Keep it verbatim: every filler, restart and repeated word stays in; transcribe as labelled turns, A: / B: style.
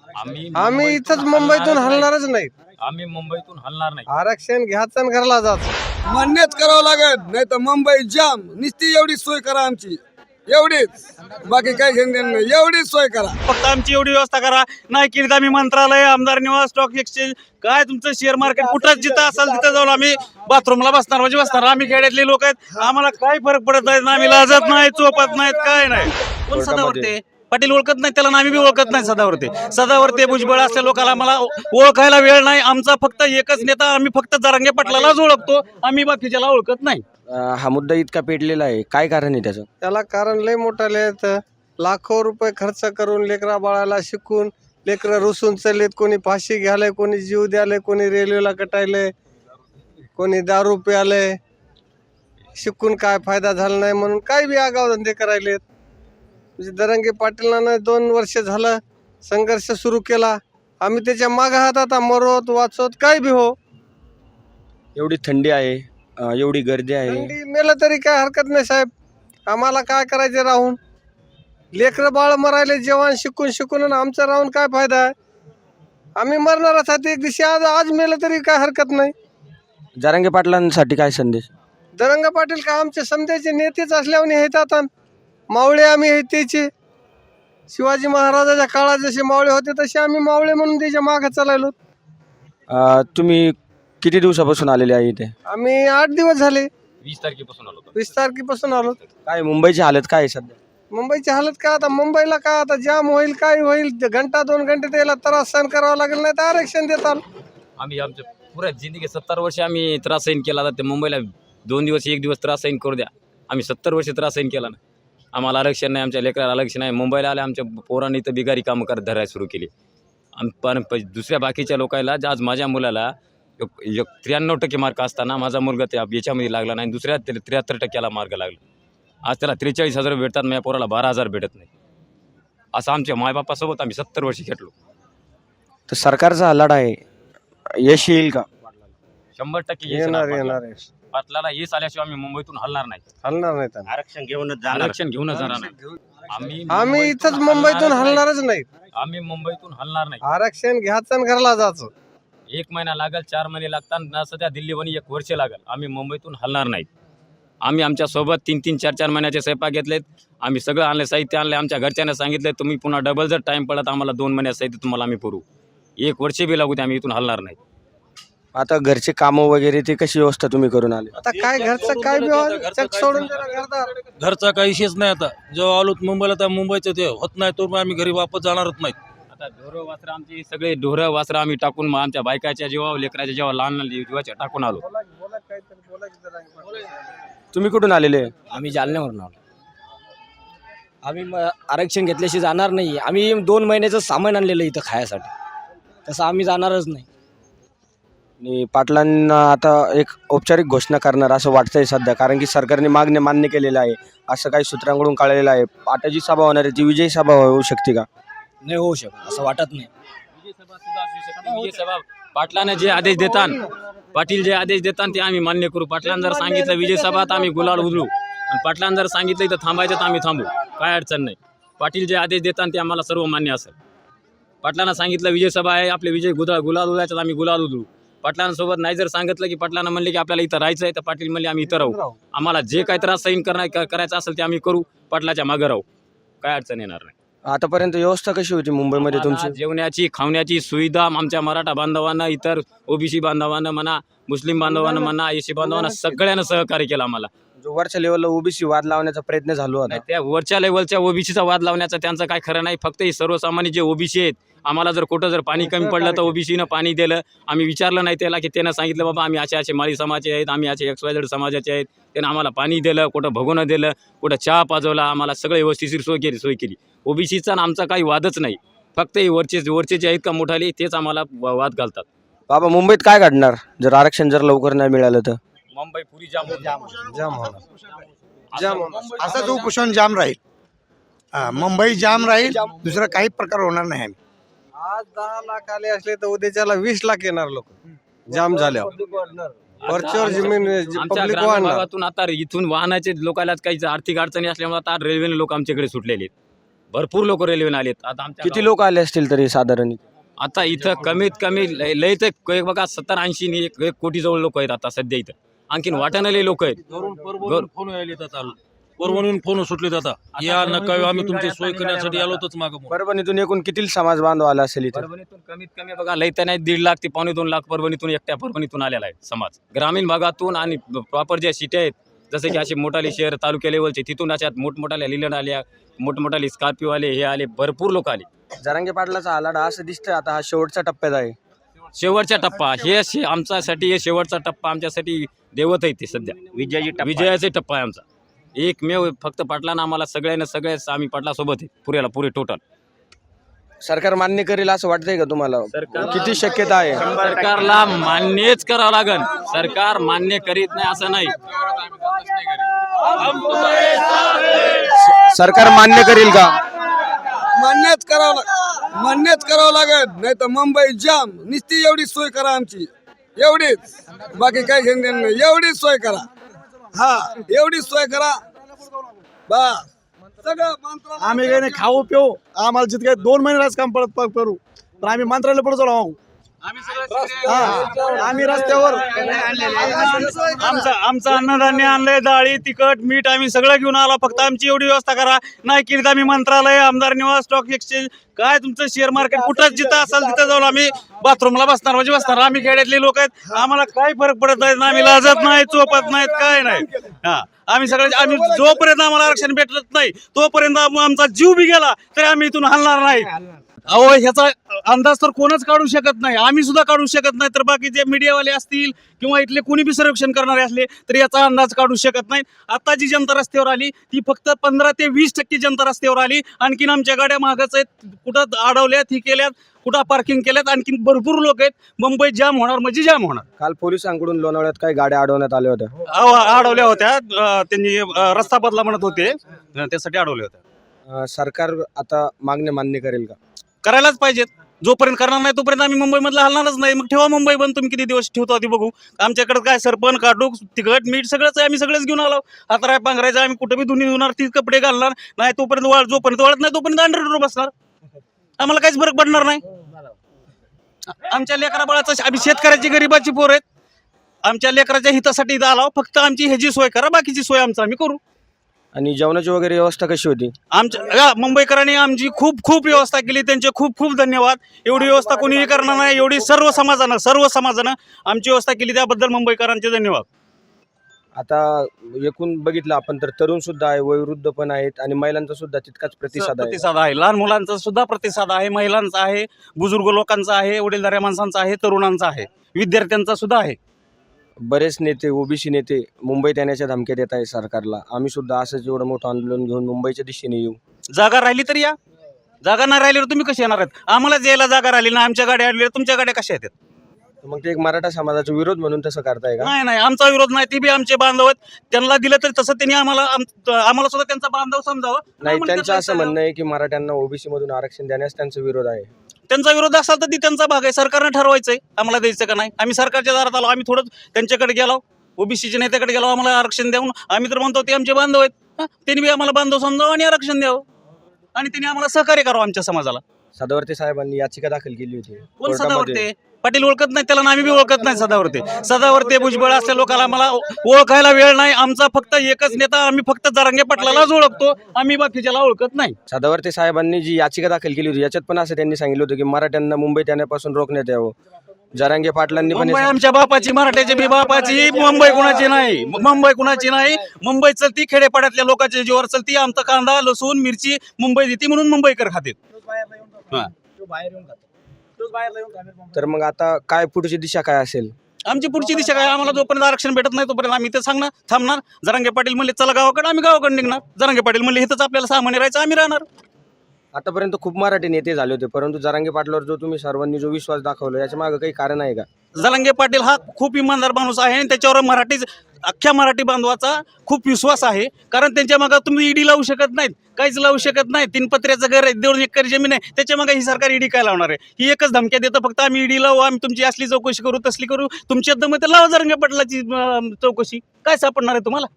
A: आम्ही
B: आम्ही इथंच मुंबईतून हलणारच नाही.
A: आम्ही मुंबईतून हलणार नाही.
B: आरक्षण घ्यायचं आणि घरला जायचं.
C: मान्यच करावं लागेल, नाही तर मुंबई जाम. नुसती एवढी सोय करा आमची, एवढीच. बाकी काही घेणं देणं नाही, एवढीच सोय करा.
D: फक्त आमची एवढी व्यवस्था करा. नाही केली आम्ही मंत्रालय, आमदार निवास, स्टॉक एक्सचेंज, काय तुमचं शेअर मार्केट कुठं जिथं असेल तिथं जाऊन आम्ही बाथरूमला बसणार म्हणजे बसणार. आम्ही खेड्यातले लोक आहेत, आम्हाला काही फरक पडत नाही. आम्ही लाजत नाही, चोपत नाहीत, काय नाही. कोण सदावर्ते पाटील ओळखत नाही त्याला, आम्ही बी ओळखत नाही सदावर्ते. सदावर्ते भुजबळ असल्या लोकांना मला ओळखायला वेळ नाही. आमचा फक्त एकच नेता, आम्ही फक्त जरांगे पाटलालाच ओळखतो, आम्ही बाकीच्याला ओळखत नाही.
E: अं, हा मुद्दा इतका पेटलेला आहे, काय कारण आहे त्याचं?
B: त्याला कारण लय मोठं आहेत. लाखो रुपये खर्च करून लेकरा बाळाला शिकून लेकरं रुसून चाललेत. कोणी फाशी घ्यायलंय, कोणी जीव द्यायलंय, कोणी रेल्वेला कटायलंय, कोणी दारू प्यायलंय. शिकून काय फायदा झाला नाही म्हणून काय बी आगाव धंदे करायलेत. म्हणजे दरंगे पाटीलांना दोन वर्ष झालं संघर्ष सुरू केला. आम्ही त्याच्या मागं आहात, आता मरोत वाचवत काय बी हो.
E: एवढी थंडी आहे, अं, एवढी गर्दी आहे.
B: थंडी मेलं तरी काय हरकत नाही साहेब. आम्हाला काय करायचे राहून? लेकरं बाळ मरायले जवान शिकून शिकून, आणि आमचा राहून काय फायदा आहे? आम्ही मरणारच आहोत एक दिवशी. आज आज मेलं तरी काय हरकत नाही.
E: जरांगे पाटलांसाठी काय संदेश?
B: दरंग पाटील का आमचे समजायचे नेतेच असल्याने आहेत. आता मावळे आम्ही आहेत त्याचे. शिवाजी महाराजाच्या काळात जसे मावळे होते तसे आम्ही मावळे म्हणून त्याच्या मागे चालायलो.
E: अं, तुम्ही किती दिवसापासून आलेले आहे इथे?
B: आम्ही आठ दिवस झाले.
A: वीस तारखेपासून आलो होतो.
B: वीस तारखेपासून आलो.
E: काय मुंबईची हालत काय आहे सध्या?
B: मुंबईची हालत काय आता? मुंबईला काय आता जाम होईल, काय होईल? घंटा दोन घंटे त्याला त्रास सहन करावा लागेल, नाही तर आरक्षण देतात.
A: आम्ही आमच्या पुऱ्या जिंदगी सत्तर वर्ष आम्ही त्रास सहन केला. तर मुंबईला दोन दिवस एक दिवस त्रास सहन करू द्या. आम्ही सत्तर वर्ष त्रास सहन केला ना. आम्हाला आरक्षण नाही, आमच्या लेकराला आरक्षण नाही. मुंबईला आले आमच्या पोरांनी तर बिगारी कामं करत धरायला सुरू केली. आम पण प- दुसऱ्या बाकीच्या लोकांना, आज माझ्या मुलाला एक- एक त्र्याण्णव टक्के मार्क असताना माझा मुलगा त्या याच्यामध्ये लागला नाही, दुसऱ्या त्र्याहत्तर टक्क्याला मार्क लागला. आज त्याला त्रेचाळीस हजार भेटतात, माझ्या पोराला बारा हजार भेटत नाही. असं आमच्या मायबापासोबत आम्ही सत्तर वर्ष खेटलो.
E: तर सरकारचा हा लढा आहे, यश येईल का?
A: शंभर टक्के यश
B: येणार
A: येणार.
B: येणार आहे.
A: पाटलाला यश आल्याशिवाय आम्ही मुंबईतून हलणार नाही.
B: हलणार नाही त्यांना.
D: आरक्षण घेऊनच
A: आरक्षण घेऊनच जाणार नाही. आम्ही
B: आम्ही इथंच मुंबईतून हलणारच नाही.
A: आम्ही मुंबईतून हलणार नाही.
B: आरक्षण घ्यायचं आणि घरला जायचं.
A: एक महिना लागेल, चार महिने लागतात ना, सध्या दिल्लीवरून एक वर्ष लागेल. आम्ही मुंबईतून हलणार नाहीत. आम्ही आमच्या सोबत तीन तीन चार चार महिन्याचे स्वयंपाक घेतलेत. आम्ही सगळं आणले, साहित्य आणले. आमच्या घरच्यांना सांगितलं तुम्ही पुन्हा डबल जर टाईम पडत आम्हाला दोन महिन्यात साहित्य तुम्हाला आम्ही पुरवू. एक वर्ष बी लागू ते आम्ही इथून हलणार नाही.
E: आता घरचे कामं वगैरे ते कशी व्यवस्था तुम्ही करून आले?
B: आता काय घरचं काय बी व्हाल, चक सोडून जरा घरदार.
F: घरचा काही विषयच नाही. आता जेव्हा आलो मुंबईला तर मुंबईचं ते होत नाही, तो आम्ही घरी वापस जाणारच नाही.
A: आता ढोरं वासरं आमची सगळे ढोरं वासरं आम्ही टाकून मग आमच्या बायकाच्या जेव्हा लेकराच्या जेव्हा लहान लहान जीवाच्या टाकून आलो.
E: तुम्ही कुठून आलेले?
G: आम्ही जालन्यावरून आलो. आम्ही म- आरक्षण घेतल्याशी जाणार नाही. आम्ही दोन महिन्याचं सामान आणलेलं इथं खायासाठी, तसं आम्ही जाणारच नाही.
E: आणि पाटलांना आता एक औपचारिक घोषणा करणार असं वाटतंय सध्या, कारण की सरकारने मागणी मान्य केलेलं आहे असं काही सूत्रांकडून कळलेलं आहे. आता जी सभा होणार आहे ती विजयी सभा होऊ शकते का?
G: नाही होऊ शकत असं वाटत नाही.
A: विजयसभा सुद्धा असू शकते. विजयसभा पाटलाने जे आदेश देतात, पाटील जे आदेश देतात ते आम्ही मान्य करू. पाटलांनी जर सांगितलं विजयसभा तर आम्ही गुलाल उधळू, आणि पाटलांनी जर सांगितलं इथं थांबायचं तर आम्ही थांबू. काय अडचण नाही. पाटील जे आदेश देतात ते आम्हाला सर्व मान्य असेल. पाटलांना सांगितलं विजयसभा आहे, आपले विजय गुदा गुलाल उधळायचं तर आम्ही गुलाल उधळू. पाटलांसोबत नाही जर सांगितलं की पाटलांना म्हणले की आपल्याला इथं राहायचं आहे तर पाटील म्हणले आम्ही इथं राहू. आम्हाला जे काही त्रास सहन करणार करायचं असेल ते आम्ही करू. पाटलाच्या मागं राहू. काय अडचण येणार नाही.
E: आतापर्यंत व्यवस्था कशी होती मुंबईमध्ये तुमची?
A: आम्हाला जेवण्याची खावण्याची सुविधा आमच्या मराठा बांधवांना, इतर ओबीसी बांधवांना म्हणा, मुस्लिम बांधवांना म्हणा, एसी बांधवांना सगळ्यांना सहकार्य केलं आम्हाला.
E: जो वरच्या लेवलला ओबीसी वाद लावण्याचा प्रयत्न झाला होता,
A: नाही, त्या वरच्या लेवलच्या ओबीसीचा वाद लावण्याचा त्यांचं काय खरं नाही. फक्त हे सर्वसामान्य जे ओबीसी आहेत, आम्हाला जर कुठं जर पाणी कमी पडलं तर ओबीसीनं पाणी दिलं. आम्ही विचारलं नाही त्याला की त्यानं सांगितलं बाबा आम्ही असे असे माळी समाजाचे आहेत, आम्ही असे एक्स वाय झेड समाजाचे आहेत. त्यानं आम्हाला पाणी दिलं, कुठं भगवणं दिलं, कुठं चहा पाजवला, आम्हाला सगळं व्यवस्थिशीर सोय केली सोय केली. ओबीसीचा आणि आमचा काही वादच नाही. फक्त हे वरचे वरचे जे आहेत का मोठाले तेच आम्हाला वा- वाद घालतात.
E: बाबा मुंबईत काय घडणार जर आरक्षण जर लवकर नाही मिळालं तर?
A: मुंबई पुरी जाम जाम
B: जाम होणार. जाम होणार.
H: असंच उपोषण जाम राहील. हा, मुंबई जाम राहील, दुसरा काही प्रकार होणार नाही. आम्ही
B: आज दहा लाख आले असले तर उद्याच्याला वीस लाख येणार लोक जाम झाल्यावर. वरच्यावर जमीन
A: आमच्या
B: पब्लिक
A: ग्रामीण
B: वाढणार.
A: भागातून आता इथून वाहनाचे लोकांना काही आर्थिक अडचणी असल्यामुळे आता रेल्वेने लोक आमच्याकडे सुटलेले आहेत. भरपूर लोक रेल्वेने आलेत. आता आमच्या
E: किती लोक आले असतील तरी साधारण?
A: आता इथं कमीत कमी लय लय तर एक बघा सत्तर ऐंशी नि एक एक कोटी जवळ लोक आहेत आता सध्या इथं. आणखीन वाटाणाले लोक आहेत.
F: घरून परभणीहून फोन यायले आता परभणीहून फोन सुटले आता या नका आम्ही तुमची सोय करण्यासाठी आलो होतोच मागं.
E: परभणीतून एकूण किती समाज बांधव आला असेल इथे?
A: परभणीतून कमीत कमी बघा लय तर नाही दीड लाख ते पावणे दोन लाख परभणीतून एकट्या परभणीतून आलेला आहे समाज. ग्रामीण भागातून आणि प्रॉपर ज्या सिट्या आहेत जसे की असे मोठाले शहर तालुक्या लेवलचे तिथून अशा मोठमोठाल्या लिलंड आल्या, मोठमोठाले स्कॉर्पिओ आले, हे आले, भरपूर लोक आले.
E: जरांगे पाटलाचा आलाडा असं दिसतंय आता हा शेवटच्या टप्प्यात आहे.
A: शेवटचा टप्पा हे शे- आमच्यासाठी हे शेवटचा टप्पा आमच्यासाठी देवत आहे ते सध्या
E: विजयाची
A: विजयाचा टप्पा आहे आमचा. एकमेव फक्त पाटलांना आम्हाला सगळ्यांना सगळ्याच आम्ही पाटलासोबत आहे पुऱ्याला पुरे टोटल.
E: सरकार मान्य करेल असं वाटतंय का तुम्हाला?
A: सरकार-
E: किती शक्यता आहे?
A: सरकारला मान्यच करावं लागेल. सरकार मान्य करीत नाही असं नाही.
E: सरकार मान्य करेल का?
C: मान्यच करावं लाग मान्यच करावं लागेल, नाही तर मुंबई जाम. नुसती एवढी सोय करा आमची, एवढीच, बाकी काही घेणं देणं नाही. एवढीच सोय करा, हा एवढीच सोय करा बस. सगळं मंत्रालय
I: आम्ही काही नाही खाऊ पिऊ, आम्हाला जितके काही दोन महिने राज काम पडत करू पण आम्ही मंत्रालय पुढे जाऊ. आम्ही रस्त्यावर
D: आमचं आमचं अन्नधान्य आणलंय, डाळी तिखट मीठ आम्ही सगळं घेऊन आलो. फक्त आमची एवढी व्यवस्था करा. नाही केली तर आम्ही मंत्रालय, आमदार निवास, स्टॉक एक्सचेंज, काय तुमचं शेअर मार्केट कुठं जिथं असेल तिथं जाऊन आम्ही बाथरूमला बसणार म्हणजे बसणार. आम्ही खेड्यातले लोक आहेत, आम्हाला काही फरक पडत नाही. आम्ही लाजत नाही, चोपत नाहीत, काय नाही. हा आम्ही सगळे आम्ही जोपर्यंत आम्हाला आरक्षण भेटत नाही तोपर्यंत आमचा जीव बी गेला तरी आम्ही इथून हलणार नाही. अहो ह्याचा अंदाज तर कोणच काढू शकत नाही, आम्ही सुद्धा काढू शकत नाही, तर बाकी जे मीडियावाले असतील किंवा इथले कोणी बी सर्वेक्षण करणारे असले तर याचा अंदाज काढू शकत नाही. आता जी जनता रस्त्यावर आली ती फक्त पंधरा ते वीस टक्के जनता रस्त्यावर आली. आणखीन आमच्या गाड्या मागच आहेत, कुठं अडवल्यात, ही केल्यात, कुठं पार्किंग केल्यात. आणखीन भरपूर लोक आहेत. मुंबईत जाम होणार म्हणजे जाम होणार.
E: काल पोलिसांकडून लोणावळ्यात काही गाड्या अडवण्यात आल्या होत्या.
D: अहो, अडवल्या होत्या. अं, त्यांनी अं, रस्ता बदला म्हणत होते, अं, त्यासाठी अडवल्या होत्या.
E: अं, सरकार आता मागणी मान्य करेल का?
D: करायलाच पाहिजेत. जोपर्यंत करणार नाही तोपर्यंत आम्ही मुंबईमधला हलणारच नाही. मग ठेवा मुंबई बंद. तुम्ही किती दिवस ठेवतो आधी बघू. आमच्याकडे काय सरपण काटूक तिखट मीठ सगळंच आहे, आम्ही सगळंच घेऊन आलो. आता राय पांघरायचं आम्ही कुठे बी धुनी धुणार, तीच कपडे घालणार नाही. तोपर्यंत वाळ जोपर्यंत वाळत नाही तोपर्यंत अंडरवर बसणार. आम्हाला काहीच फरक पडणार नाही. आमच्या लेकरा बाळाचं आम्ही शेतकऱ्याची गरीबाची पोर आहेत. आमच्या लेकराच्या हितासाठी इथं आलो. फक्त आमची ह्याची सोय करा, बाकीची सोय आमचं आम्ही करू.
E: आणि जेवणाची वगैरे व्यवस्था कशी होती?
D: आमच्या या मुंबईकरांनी आमची खूप खूप व्यवस्था केली, त्यांचे खूप खूप धन्यवाद. एवढी व्यवस्था कोणीही करणार नाही, एवढी सर्व समाजानं सर्व समाजानं आमची व्यवस्था केली, त्याबद्दल मुंबईकरांचे धन्यवाद.
E: आता एकूण बघितलं आपण तर तरुण सुद्धा आहे, वयोवृद्ध पण आहेत आणि महिलांचा सुद्धा तितकाच प्रतिसाद आहे.
D: प्रतिसाद आहे, लहान मुलांचा सुद्धा प्रतिसाद आहे, महिलांचा आहे, बुजुर्ग लोकांचा आहे, वडीलधाऱ्या माणसांचा आहे, तरुणांचा आहे, विद्यार्थ्यांचा सुद्धा आहे.
E: बरेच नेते ओबीसी नेते मुंबईत येण्याच्या धमक्या देत आहे सरकारला. आम्ही सुद्धा असंच एवढं मोठं आंदोलन घेऊन मुंबईच्या दिशेने येऊ.
D: जागा राहिली तर या, जागा नाही राहिल्यावर तुम्ही कशी येणार आहेत? आम्हालाच यायला जागा राहिली ना, आमच्या गाड्या आणल्या, तुमच्या गाड्या कशा येतात?
E: मग ते एक मराठा समाजाचा विरोध म्हणून तसं करताय का?
D: नाही नाही, आमचा विरोध नाही. ते बी आमचे बांधव आहेत, त्यांना दिलं तर तसं त्यांनी आम्हाला आम- आम्हाला सुद्धा त्यांचा बांधव समजावं.
E: नाही,
D: आम्हाला
E: त्यांचं
D: त्याचा
E: असं म्हणणं आहे की मराठ्यांना ओबीसी मधून आरक्षण देण्यास त्यांचा विरोध आहे.
D: त्यांचा विरोध असेल तर ती त्यांचा भाग आहे. सरकारनं ठरवायचंय आम्हाला द्यायचं का नाही. आम्ही सरकारच्या दारात आलो, आम्ही थोडं त्यांच्याकडे गेलो, ओबीसीच्या नेत्याकडे गेलो, आम्हाला आरक्षण द्यावून. आम्ही तर म्हणतो ते आमचे बांधव आहेत, हा, त्यांनी बी आम्हाला बांधव समजावं आणि आरक्षण द्यावं आणि त्यांनी आम्हाला सहकार्य करावं आमच्या समाजाला.
E: सदावर्ते साहेबांनी याचिका दाखल केली होती
D: कोण
E: कोर्टामध्ये.
D: सदावर्ते? पाटील ओळखत नाही त्याला, आम्ही बी ओळखत नाही सदावर्ते. सदावर्ते भुजबळ असल्या लोकांना आम्हाला ओळखायला वेळ नाही. आमचा फक्त एकच नेता, आम्ही फक्त जरांगे पाटलालाच ओळखतो, आम्ही बाकीच्याला ओळखत नाही.
E: सदावर्ते साहेबांनी जी याचिका दाखल केली होती याच्यात पण असं त्यांनी सांगितलं होतं की मराठ्यांना मुंबईत येण्यापासून रोखण्यात यावं. जरांगे पाटलांनी पण
D: मुंबई आमच्या बापाची, मराठ्याची बी बापाची. मुंबई कुणाची नाही, मुंबई कुणाची नाही. मुंबई चलती, खेडेपाड्यातल्या लोकांच्या जीवावर चलती. आमचा कांदा लसूण मिरची मुंबई देते म्हणून मुंबईकर खाते.
E: तर मग आता काय पुढची दिशा काय असेल?
D: आमची पुढची दिशा काय? आम्हाला जोपर्यंत आरक्षण भेटत नाही तोपर्यंत आम्ही ते सांगणार, थांबणार. जरांगे पाटील म्हणले चला गावाकडे, आम्ही गावाकडे निघणार. जरांगे पाटील म्हणले इथंच आपल्याला सामान्य राहायचं, आम्ही राहणार.
E: आतापर्यंत खूप मराठी नेते झाले होते, परंतु जरांगे पाटलावर जो तुम्ही सर्वांनी जो विश्वास दाखवला याच्या मागे काही कारण आहे का?
D: जरांगे पाटील हा खूप इमानदार माणूस आहे आणि त्याच्यावर मराठी अख्ख्या मराठी बांधवाचा खूप विश्वास आहे. कारण त्यांच्या मागे तुम्ही ईडी लावू शकत नाहीत, काहीच लावू शकत नाही. तीन पत्र्याचं घर आहे, दोन एकर जमीन आहे, त्याच्या मागे ही सरकार ईडी काय लावणार आहे? ही एकच धमक्या देतं फक्त, आम्ही ईडी लावू, आम्ही तुमची असली चौकशी करू, तसली करू. तुमच्या दम तर लावा जरांगे पाटलाची अं, चौकशी. काय सापडणार आहे तुम्हाला?